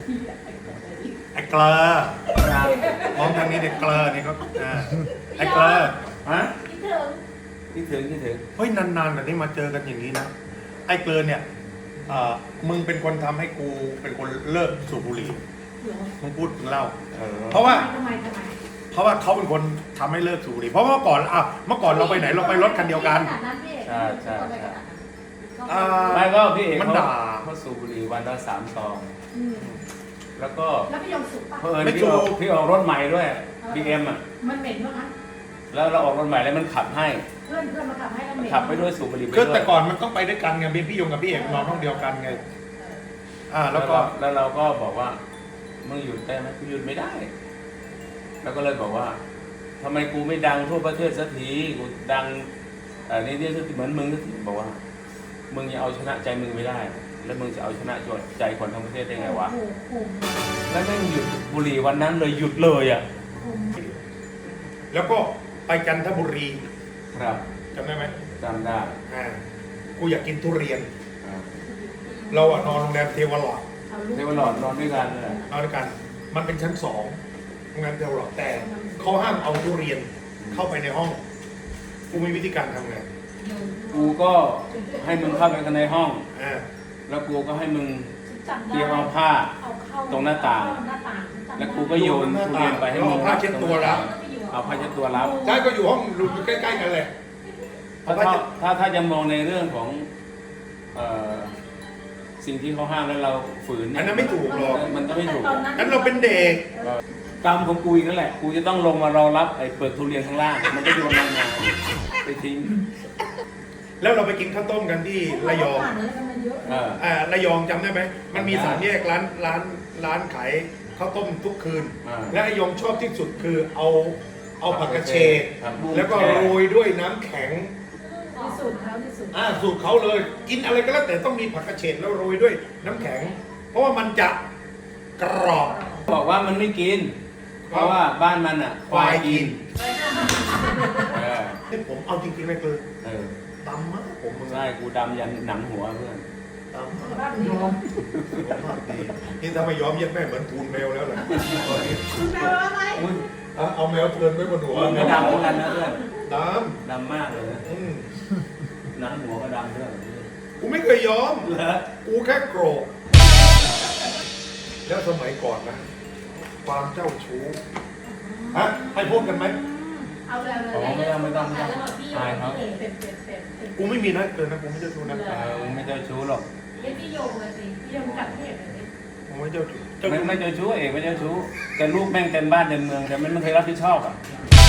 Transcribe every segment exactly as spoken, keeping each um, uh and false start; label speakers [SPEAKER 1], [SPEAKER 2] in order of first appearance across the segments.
[SPEAKER 1] ไอ้เกลอมองทางนี้เด็กเกลอนี่ก็ไอ้เกลอฮะ
[SPEAKER 2] คิดถึงคิดถึงคิดถึง
[SPEAKER 1] เฮ้ยนานๆแต่นี่มาเจอกันอย่างนี้นะไอ้เกลอเนี่ยมึงเป็นคนทำให้กูเป็นคนเลิกสูบบุหรี่มึงพูดถึงเล่าเพราะว่าเพราะว่าเขาเป็นคนทำให้เลิกสูบบุหรี่เพราะเมื่อก่อนอ่ะเมื่อก่อนเราไปไหนเราไปรถคันเดียวกัน
[SPEAKER 2] ใช่ใช่ใช่
[SPEAKER 1] ไม่
[SPEAKER 2] ก็พี่เอก
[SPEAKER 1] มันด่า
[SPEAKER 2] เขาสูบบุหรี่วันละสามซองแล้วก็
[SPEAKER 3] แล้วพี่ยงสูบป่ะ
[SPEAKER 2] เพิ่นพี่ออกพี่ออกรถใหม่ด้วย บี เอ็ม อ่ะ
[SPEAKER 3] มันเหม็นมากนะ
[SPEAKER 2] แล้วเราออกรถใหม่แล้วมันขับให้
[SPEAKER 3] เพื่อนเพื่อนมาขับให้เราเหม็น
[SPEAKER 2] ขับไปด้วยสูบบุหรี่ไปด้วย
[SPEAKER 1] คือแต่ก่อนมันต้องไปด้วยกันไงพี่ยงกับพี่เอกนอนห้องเดียวกันไงอ่าแล้วก็
[SPEAKER 2] แล้วเราก็บอกว่ามึงหยุดได้ไหมกูหยุดไม่ได้แล้วก็เลยบอกว่าทำไมกูไม่ดังทั่วประเทศสักทีกูดังอันนี้เนี่ยเหมือนมึงสักทีบอกว่ามึงยังเอาชนะใจมึงไม่ได้แล้วมึงจะเอาชนะใจคนทั้งประเทศได้ไงวะแล้วแม่งหยุดบุหรี่วันนั้นเลยหยุดเลยอ่ะ
[SPEAKER 1] แล้วก็ไปจันทบุรี
[SPEAKER 2] ครับ
[SPEAKER 1] จำได้ไหม
[SPEAKER 2] จำได้
[SPEAKER 1] อ่ากูอยากกินทุเรียนเราอะนอนโรงแรมเทวหลอด
[SPEAKER 2] เทวหลอดนอนด้วยกันเลย
[SPEAKER 1] นอนด้วยกันมันเป็นชั้นสองโรงแรมเทวหลอดแต่เขาห้ามเอาทุเรียนเข้าไปในห้องกูมีวิธีการทำไง
[SPEAKER 2] กูก็ให้มึงเข้าไปในห้อง
[SPEAKER 1] อ่า
[SPEAKER 2] แล้วกูก็ให้มึงเตรียมเอาผ้าตรงหน้าต่างแล้วกูก็โยนทุเรียนไปให้มึง
[SPEAKER 1] เอาผ้าเช็ดตัวรับ
[SPEAKER 2] เอาผ้าเช็ดตัวรับ
[SPEAKER 1] ใช่ก็อยู่ห้องรูใกล้ๆกันเลย
[SPEAKER 2] ถ้าถ้าถ้าจะมองในเรื่องของสิ่งที่เขาห้ามแล้วเราฝืน
[SPEAKER 1] อันนั้นไม่ถูกหรอก
[SPEAKER 2] มันก็ไม่ถูก
[SPEAKER 1] นั้นเราเป็นเด็ก
[SPEAKER 2] กรรมของกูอีกนั่นแหละกูจะต้องลงมารอรับไอ้เปลือกทุเรียนข้างล่างมันก็โยนลงมาไปทิ้ง
[SPEAKER 1] แล้วเราไปกินข้าวต้มกันที่ระยองอ่าระยองจำได้ไหมมันมีสามแยกร้านร้านร้านขายข้าวต้มทุกคืนและระยองชอบที่สุดคือเอาเอาผักกระเฉดแล้วก็โรยด้วยน้ำแข็ง
[SPEAKER 3] สูตรเขาที่สุด
[SPEAKER 1] อ่าสูตรเขาเลยกินอะไรก็แล้วแต่ต้องมีผักกระเฉดแล้วโรยด้วยน้ำแข็งเพราะว่ามันจะกรอบ
[SPEAKER 2] บอกว่ามันไม่กินเพราะว่าบ้านมันอ่ะ
[SPEAKER 1] ควายกินนี่ผมเอาจริงๆเลยคือดำมากผม
[SPEAKER 2] ใช่กูดำยันหนังหัวเพื่อน
[SPEAKER 1] ดำมากยอมนี่ถ้าไม่ยอมยัดแม่เหมือนทูนแมวแล้วล่ะ
[SPEAKER 3] ทูนแมวอะไร
[SPEAKER 1] เอาแมวเทินไว้บนหัว
[SPEAKER 2] ไม่ดำเหมือนกันนะเพื่อน
[SPEAKER 1] ดำ
[SPEAKER 2] ดำมากเลยหนังหัวก็ดำเพื่อน
[SPEAKER 1] กูไม่เคยยอมกูแค่โกรธแล้วสมัยก่อนนะความเจ้าชู้ฮะให้พูดกันไหม
[SPEAKER 3] เอาเลยเลย
[SPEAKER 2] ไม่ต้องไม่ต้องไม่ต้องอายเขา
[SPEAKER 1] กูไม่มีนะเกินนะกูไม่เจ้าชู้นะ
[SPEAKER 2] กูไม่เจ้าชู้หรอก
[SPEAKER 3] เดี๋ยวพี่โยงเลยสิพี่โยงจับพี่เอกเลย
[SPEAKER 1] กูไม่เจ้าชู้
[SPEAKER 2] ไม่ไม่เจ้าชู้เอกไม่เจ้าชู้แต่ลูกแม่งเต็มบ้านเต็มเมืองแต่มันไม่เคยรับผิดชอบอ่ะ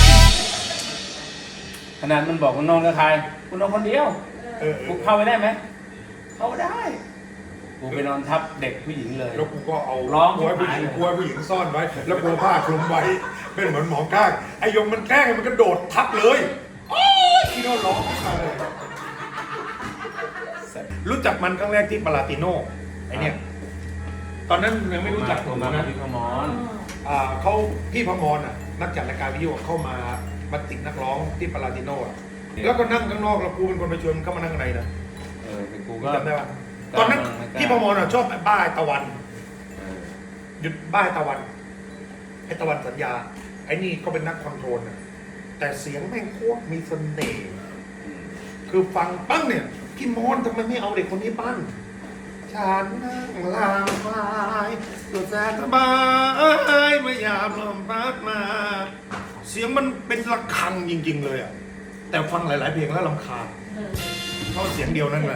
[SPEAKER 2] ขนาดมันบอกมันนอนกับใครกูนอนคนเดียวกูเข้าไปได้ไหมเข้าได้กูไปนอนทับเด็กผู้หญิงเลย
[SPEAKER 1] แล้วกูก็เอาร้องกูให้ผู้หญิงกูให้ผู้หญิงซ่อนไว้แล้วกูผ้าคลุมไว้เป็นเหมือนหมอก้างไอ้ยงมันแกล้งมันกระโดดทับเลยโอ้ยที่โน่ร้องเลยรู้จักมันครั้งแรกที่ปาลาติโน่ไอเนี่ยตอนนั้นยังไม่รู้จักผมนะ
[SPEAKER 2] พี่พมร
[SPEAKER 1] อ่าเขาพี่พมรอ่ะนักจัดรายการวิทยุเข้ามามาติดนักร้องที่ปาลาติโน่แล้วก็นั่งข้างนอกแล้วกูเป็นคนไปชวนเข้ามานั่งในนะ
[SPEAKER 2] เออแต่กูก็
[SPEAKER 1] จำได้ป่ะตอนนั้นพี่พมรชอบบ้าตะวันหยุดบ้าตะวันไอ้ตะวันสัญญาไอ้นี่ก็เป็นนักคอนโทรลนะแต่เสียงแม่งโคตรมีเสน่ห์คือฟังปั้งเนี่ยพี่มอนทำไมไม่เอาเด็กคนนี้ปั้นฉันนั่งลางไม้ตัวแสนสบายไม่ยามลมพัดมาเสียงมันเป็นระฆังจริงๆเลยอ่ะแต่ฟังหลายๆเพลงแล้วรำคาญเพราะเสียงเดียวนั่นแหละ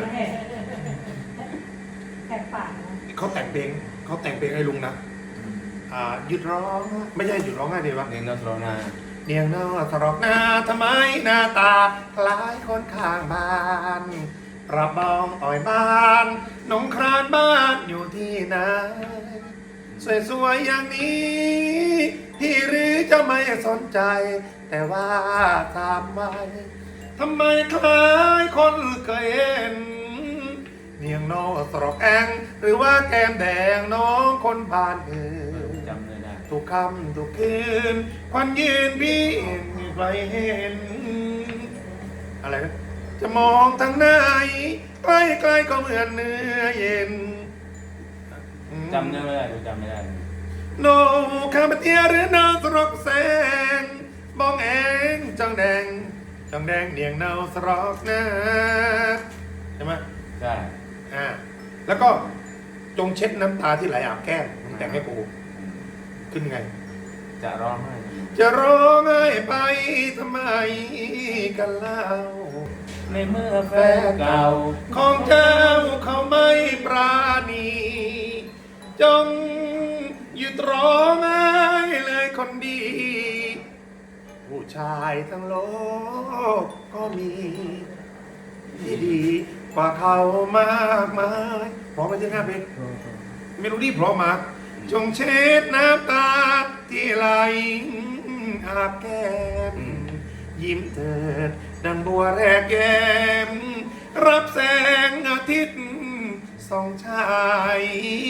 [SPEAKER 3] แตกปาก
[SPEAKER 1] เขาแต่งเพลงเขาแต่งเพลงให้ลุงนะอ่าหยุดร้องไม่ใช่หยุดร้องง่ายดีวะ
[SPEAKER 2] เนียงนอสรอนา
[SPEAKER 1] เนียงนอสรอกนาทำไมหน้าตาคล้ายคนข้างบ้านรับบ้องอ่อยบ้านหนองครานบ้านอยู่ที่ไหนสวยๆอย่างนี้พี่หรือจะไม่สนใจแต่ว่าทำไมทำไมคล้ายคนเคยเห็นเนียงนอสรอกแองหรือว่าแก้มแดงน้องคนบ้านอื่น
[SPEAKER 2] จำเลยนะ
[SPEAKER 1] ทุกคำทุกคืนควันยืนพี่ใครเห็นอะไรนะจะมองทางไหนใกล้ๆก็เหมือนเนื้อเย็น
[SPEAKER 2] จำได้ไม่ได้จำไม่ได้
[SPEAKER 1] โนข้ามาเตียหรือนาสรกแสงมองเองจังแดงจังแดงเนียงเนาสรอกนะใช่ไหม
[SPEAKER 2] ใช่
[SPEAKER 1] อ่าแล้วก็จงเช็ดน้ำตาที่ไหลอาบแก้มมึงแต่งให้กูขึ้นไง
[SPEAKER 2] จะร้องไห้
[SPEAKER 1] จะร้องไห้ไปทำไมกันเล่า
[SPEAKER 2] ในเมื่อแฟนเก่า
[SPEAKER 1] ของเจ้าเขาไม่ปราณี จงหยุดร้องไห้เลยคนดี ผู้ชายทั้งโลกก็มีที่ดีกว่าเขามากมายพร้อมไปที่หน้าเพลงเมโลดี้พร้อมมากจงเช็ดน้ำตาที่ไหลอาบแก้มยิ้มเถิดดังบัวแรกแย้มรับแสงอาทิตย์ส่องชาย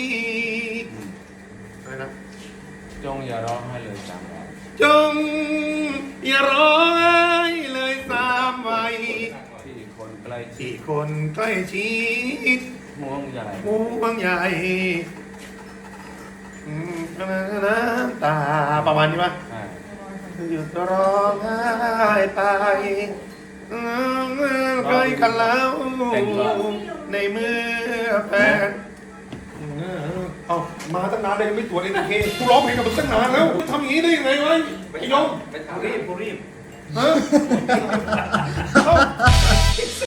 [SPEAKER 1] อะไรนะ
[SPEAKER 2] จงอย่าร้องไห้เลยจำไว้
[SPEAKER 1] จงอย่าร้องไห้เลยสามวัย
[SPEAKER 2] ที่คนใกล้ชิ
[SPEAKER 1] ที่
[SPEAKER 2] ด
[SPEAKER 1] คนใกล้ชิด
[SPEAKER 2] ห่วงใหญ่
[SPEAKER 1] ห่วงใยอืมน้ำตาประมาณนี้ปะ
[SPEAKER 2] ใช่
[SPEAKER 1] หยุดร้องไห้ไปอืมใกล้กันแล้วในเมื่อแฟนเอามาตั้งนานเลยไม่ตรวจเอ็นเคกูร้องเพลงกับมึงตั้งนานแล้วทำอย่างนี้ได้ยังไงวะไอ้ยง
[SPEAKER 2] กูรีบกูรีบ
[SPEAKER 1] ฮะเอ้า